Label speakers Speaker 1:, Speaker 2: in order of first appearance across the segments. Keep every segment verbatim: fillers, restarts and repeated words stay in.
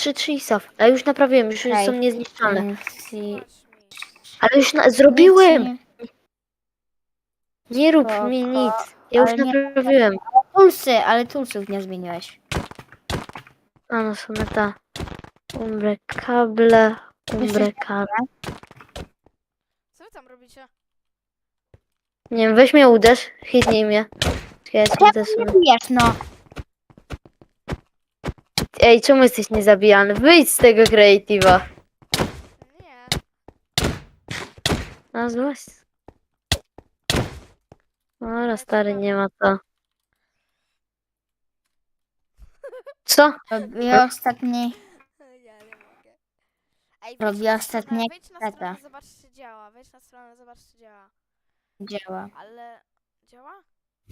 Speaker 1: trzy trzy ISAF. A już naprawiłem, już
Speaker 2: Okej.
Speaker 1: są niezniszczalne.
Speaker 2: Mm, si-
Speaker 3: Zobacz mi.
Speaker 1: Ale już na,
Speaker 2: Nic
Speaker 1: zrobiłem!
Speaker 2: nie-
Speaker 1: Nie rób
Speaker 2: Spoko,
Speaker 1: mi nic. Ja już
Speaker 2: ale nie-
Speaker 1: naprawiłem.
Speaker 2: Tulsy, ale tulsów nie zmieniłeś.
Speaker 1: A no są ta. Umbre kable. Umbre kable.
Speaker 3: Co wy tam robicie?
Speaker 1: Nie wiem, weź mnie uderz. Hitnij mnie. Ja cię
Speaker 2: Czemu
Speaker 1: uderzę.
Speaker 2: nie bijesz, no?
Speaker 1: Ej, czemu jesteś niezabijany? Wyjdź z tego creative'a.
Speaker 3: Nie.
Speaker 1: No złoś. Dobra, stary, nie ma to. Co?
Speaker 2: Robię ostatni...
Speaker 3: Ja nie mogę. Ej,
Speaker 2: Robię
Speaker 3: wejdź na
Speaker 2: ostatnie
Speaker 3: stronę, wejdź na
Speaker 2: kreta.
Speaker 3: stronę, zobacz czy działa. Wejdź na stronę, zobacz czy działa.
Speaker 2: Działa.
Speaker 3: Ale... Działa?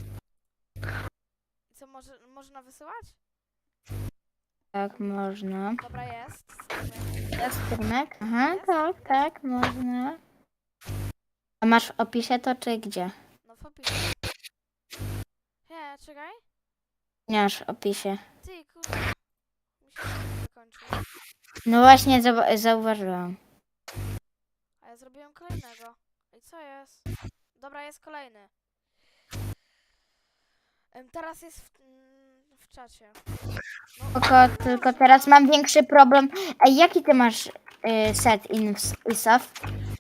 Speaker 3: I co, może, można wysyłać?
Speaker 2: Tak, można.
Speaker 3: Dobra, jest.
Speaker 2: Jest streamek? Aha,
Speaker 3: Jest?
Speaker 2: tak, tak, można. A masz w opisie to, czy gdzie?
Speaker 3: No w opisie. Nie, czekaj.
Speaker 2: Nie masz w opisie.
Speaker 3: Ty, kurde. Mi się stream wykończył.
Speaker 2: No właśnie, zau- zauważyłam.
Speaker 3: A ja zrobiłem kolejnego. I co jest? Dobra, jest kolejny. Em, Teraz jest w, mm, w czacie.
Speaker 2: Tylko, tylko teraz mam większy problem. Ej, jaki ty masz y, set in ISAF?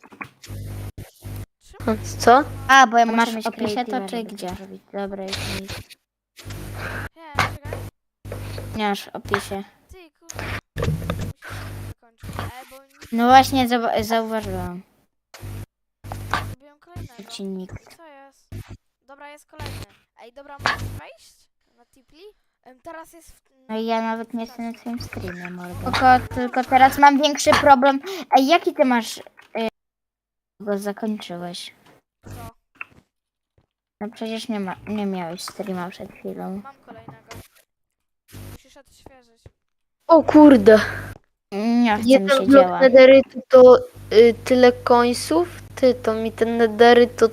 Speaker 3: Czemu?
Speaker 1: Co?
Speaker 2: A, bo ja
Speaker 3: Masz
Speaker 2: masz
Speaker 3: mieć
Speaker 2: w opisie to,
Speaker 3: creative'a,
Speaker 2: czy
Speaker 3: żeby
Speaker 2: gdzie? Dobra, jest nic.
Speaker 3: Nie, czekaj.
Speaker 2: Nie masz w opisie.
Speaker 3: Ty, kurde. Mi się stream wykończył. Ej, bo nic
Speaker 2: No właśnie, zau- zauważyłam.
Speaker 3: zrobiłem kolejnego.
Speaker 2: Odcinnik.
Speaker 3: I co jest? Dobra, jest kolejny. Ej, dobra, możesz wejść na Tipli? Em, Teraz jest w...
Speaker 2: No i ja nawet nie jestem na twoim streamie, mordo. Tylko, tylko teraz mam większy problem. Ej, jaki ty masz... Y, go zakończyłeś?
Speaker 3: Co?
Speaker 2: No przecież nie, ma, nie miałeś streama przed chwilą.
Speaker 3: Mam kolejnego. Musisz odświeżyć.
Speaker 1: O kurde.
Speaker 2: Nie chce mi
Speaker 1: Jeden
Speaker 2: się
Speaker 1: blok
Speaker 2: działa.
Speaker 1: nederytu to y, tyle końców. Ty, to mi ten nederyt to...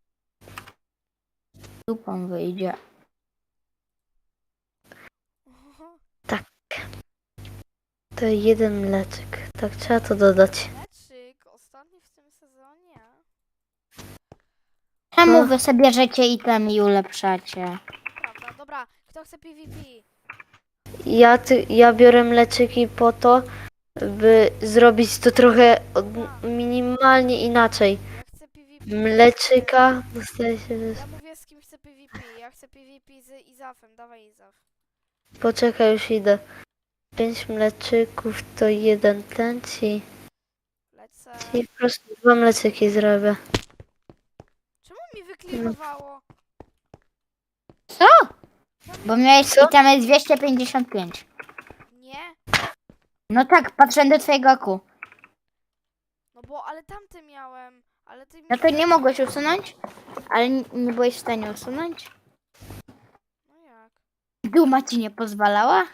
Speaker 2: Dupą wyjdzie.
Speaker 1: To jeden mleczek. Tak, trzeba to dodać.
Speaker 3: Meczyk, ostatni w tym sezonie.
Speaker 2: Czemu
Speaker 1: No.
Speaker 2: wy sobie bierzecie item i ulepszacie?
Speaker 3: Prawda, dobra. Kto chce PvP?
Speaker 1: Ja, ty, ja biorę mleczyki po to, by zrobić to trochę od, minimalnie inaczej.
Speaker 3: Ja chcę PvP.
Speaker 1: Mleczyka dostaje się...
Speaker 3: Ja mówię z kim chcę PvP. Ja chcę PvP z Izafem. Dawaj Izaf.
Speaker 1: Poczekaj, już idę. Pięć mleczyków to jeden ten ci.
Speaker 3: Lecę.
Speaker 1: I po prostu dwa mleczyki zrobię.
Speaker 3: Czemu mi wyklirowało?
Speaker 2: Co? Bo miałeś
Speaker 1: Co?
Speaker 2: itemy dwieście pięćdziesiąt pięć.
Speaker 3: Nie?
Speaker 2: No tak, patrzę do twojego oku.
Speaker 3: No bo, ale tamty miałem. Ale ty mi...
Speaker 2: No to nie mogłeś usunąć? Ale n- nie byłeś w stanie usunąć?
Speaker 3: No jak?
Speaker 2: Duma ci nie pozwalała?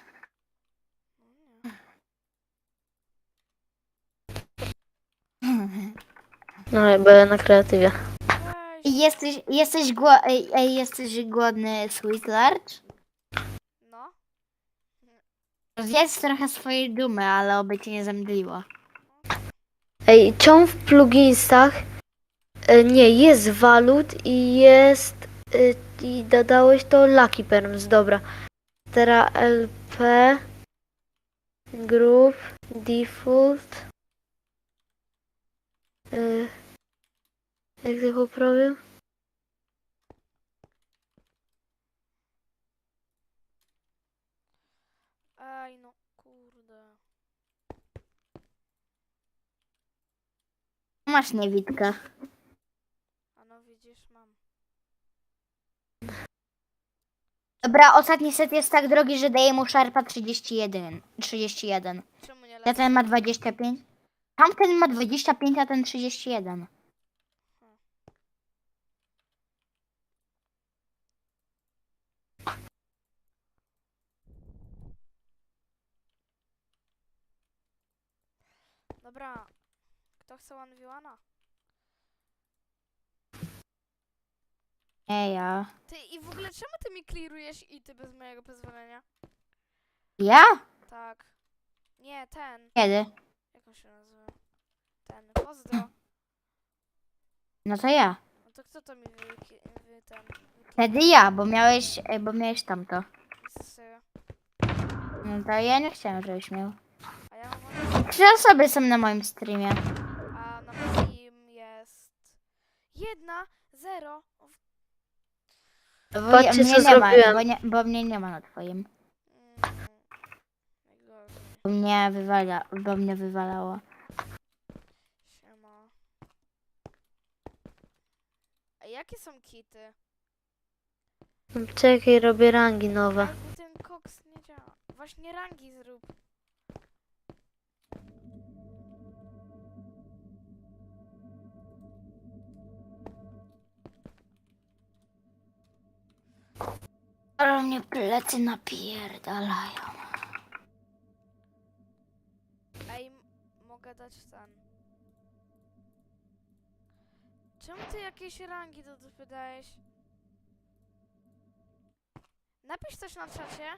Speaker 3: No nie.
Speaker 1: No, bo ja na kreatywie.
Speaker 3: Weź.
Speaker 2: I Jesteś, jesteś, gło- ej, ej, jesteś głodny, Sweet Large?
Speaker 3: No.
Speaker 2: Zjedz trochę swojej dumy, ale oby cię nie zemdliło.
Speaker 1: Ej, czemu w pluginsach e, nie, jest walut i jest e, i dodałeś to Lucky Perms, dobra. Teraz L P Group Default e, jak to poprawię?
Speaker 3: Ej, no kurde.
Speaker 2: Masz niewidka.
Speaker 3: A no widzisz, mam.
Speaker 2: Dobra, ostatni set jest tak drogi, że daje mu szarpa trzydzieści jeden. trzydzieści jeden.
Speaker 3: Czemu nie
Speaker 2: Ja
Speaker 3: lecę?
Speaker 2: ten ma dwadzieścia pięć. Tamten ma dwadzieścia pięć, a ten trzydzieści jeden.
Speaker 3: Dobra. Kto chce one v one?
Speaker 2: Nie ja.
Speaker 3: Ty, i w ogóle czemu ty mi clearujesz ity bez mojego pozwolenia?
Speaker 2: Ja?
Speaker 3: Tak. Nie, ten.
Speaker 2: Kiedy?
Speaker 3: Jak on się nazywa? Ten. Pozdro.
Speaker 2: No to ja.
Speaker 3: No to kto to mi wy, wy ten... Wyklikał?
Speaker 2: Wtedy ja, bo miałeś, e, bo miałeś tamto.
Speaker 3: Co z tego?
Speaker 2: No to ja nie chciałem, żebyś miał.
Speaker 3: A ja mam...
Speaker 2: Trzy osoby są na moim streamie.
Speaker 3: A na moim jest... Jedna, zero. O, w-
Speaker 2: Bo ja,
Speaker 1: Patrzcie,
Speaker 2: mnie
Speaker 1: co
Speaker 2: nie ma,
Speaker 1: zrobiłem.
Speaker 2: bo, nie, bo mnie nie ma na twoim.
Speaker 3: Mm, najgorzej.
Speaker 2: Bo mnie wywala, bo mnie wywalało.
Speaker 3: Siema. A jakie są kity?
Speaker 1: Czekaj, robię rangi nowe.
Speaker 3: Ej, bo ten koks nie działa. Właśnie rangi zrób.
Speaker 2: Ale mnie plecy napierdalają.
Speaker 3: Ej, m- mogę dać ten. Czemu ty jakieś rangi do dupy dajesz? Napisz coś na czacie.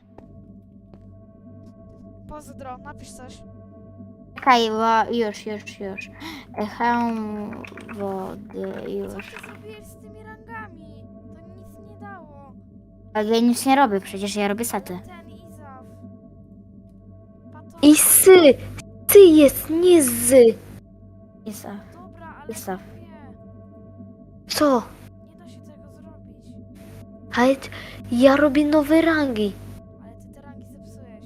Speaker 3: Pozdro, napisz coś.
Speaker 2: Czekaj, bo już, już, już. E, Hełm wody,
Speaker 3: Co
Speaker 2: już.
Speaker 3: ty zrobiłeś z tymi rangami? To nic nie dało.
Speaker 2: Ale ja nic nie robię, przecież ja robię saty.
Speaker 3: Ale ten Izaf. Pato...
Speaker 1: I sy! Sy jest, nie zy!
Speaker 2: Jest, a,
Speaker 3: Dobra, ale
Speaker 2: Izaf.
Speaker 3: wie.
Speaker 1: Co?
Speaker 3: Nie da się tego zrobić.
Speaker 1: Ale t- ja robię nowe rangi.
Speaker 3: Ale ty te rangi zepsułeś.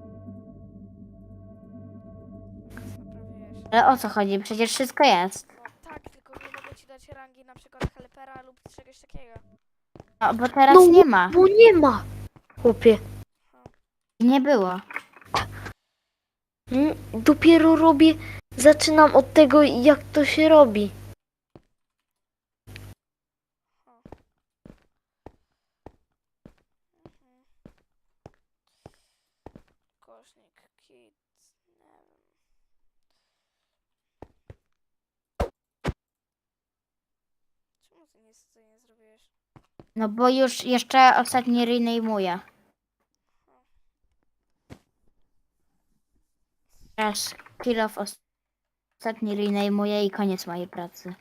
Speaker 3: Teraz naprawiłeś.
Speaker 2: Ale o co chodzi? Przecież wszystko jest.
Speaker 3: No tak, tylko nie mogę ci dać rangi na przykład helpera lub czegoś takiego.
Speaker 2: No, bo teraz
Speaker 1: No,
Speaker 2: nie ma.
Speaker 1: Bo nie ma, chłopie.
Speaker 2: Nie było.
Speaker 1: Mm, Dopiero robię, zaczynam od tego, jak to się robi.
Speaker 3: Mhm. Kośnik, kit, nie wiem. Czemu ty nic tutaj nie zrobiłeś?
Speaker 2: No bo już jeszcze ostatni renejmuję. Teraz kill off os- ostatni renejmuję i koniec mojej pracy.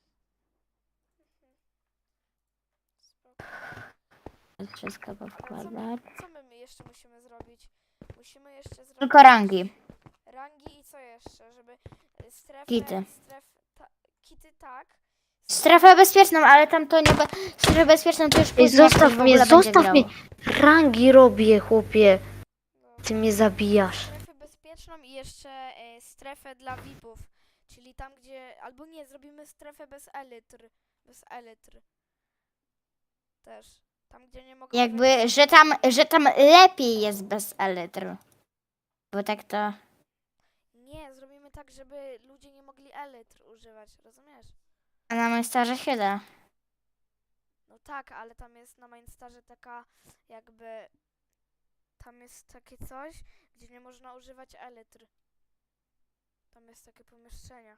Speaker 3: Spoko.
Speaker 2: Teraz wszystko
Speaker 3: Ale co my,
Speaker 2: powkładać.
Speaker 3: co my jeszcze musimy zrobić? Musimy jeszcze zrobić...
Speaker 2: Tylko rangi.
Speaker 3: Rangi i co jeszcze? Żeby y, strefę...
Speaker 2: Kity.
Speaker 3: Stref, ta, kity tak.
Speaker 2: Strefę bezpieczną, ale tam to nie... Be... Strefę bezpieczną to już
Speaker 1: Ej,
Speaker 2: później jak
Speaker 1: zostaw
Speaker 2: ktoś w
Speaker 1: mnie,
Speaker 2: ogóle będzie
Speaker 1: zostaw
Speaker 2: grał.
Speaker 1: mnie. Rangi robię, chłopie.
Speaker 3: No.
Speaker 1: Ty mnie zabijasz.
Speaker 3: Strefę bezpieczną i jeszcze e, strefę dla V I P-ów. Czyli tam, gdzie... Albo nie, zrobimy strefę bez elitr. Bez elitr. Też. Tam, gdzie nie mogą... wejść-
Speaker 2: Jakby, że tam, że tam lepiej jest bez elitr. Bo tak to...
Speaker 3: Nie, zrobimy tak, żeby ludzie nie mogli elitr używać, rozumiesz?
Speaker 2: A na Mainstarze się da.
Speaker 3: No tak, ale tam jest na Mainstarze taka jakby... Tam jest takie coś, gdzie nie można używać elitr. Tam jest takie pomieszczenie.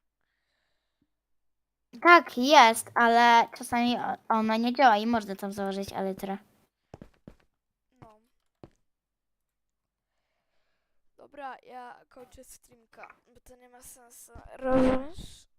Speaker 2: Tak, jest, ale czasami o- ona nie działa i można tam założyć elitrę.
Speaker 3: No. Dobra, ja kończę streamka, bo to nie ma sensu. Rozumiesz?